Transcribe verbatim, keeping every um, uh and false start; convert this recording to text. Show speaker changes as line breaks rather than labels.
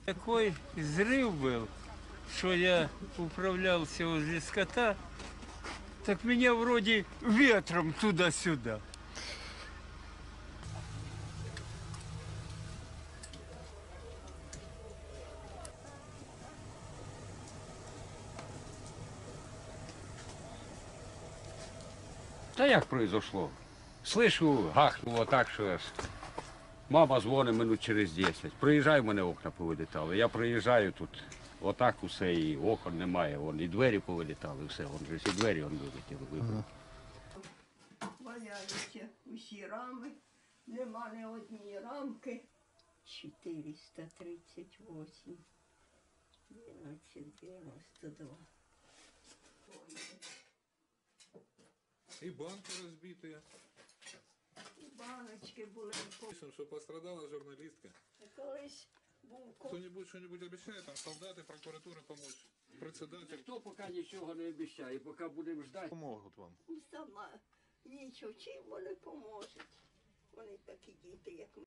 Такой взрыв был, что я управлялся возле скота, так меня вроде ветром туда-сюда.
Та як произошло? Слышу, гахнуло так, що аж мама дзвонить минут через десять. Приїжджаю, в мене окна повилітали. Я приїжджаю тут, отак усе, і окон немає, вон, і двері повилітали, все, вон же всі двері вон вилетіли, вибили.
Валяються усі рами, нема ні однієї рамки. чотириста тридцять вісім, дванадцять дев'яносто два.
И банки разбитые.
І баночки були.
Пишем, что пострадала журналистка.
Колись був ко-
Кто-нибудь что-нибудь обещает, там солдаты, прокуратура помочь, председатель.
Ніхто поки нічого не обіцяє, поки будемо ждати.
Помогут вам.
сама нічого, чим вони поможуть. Вони такі діти, як ми.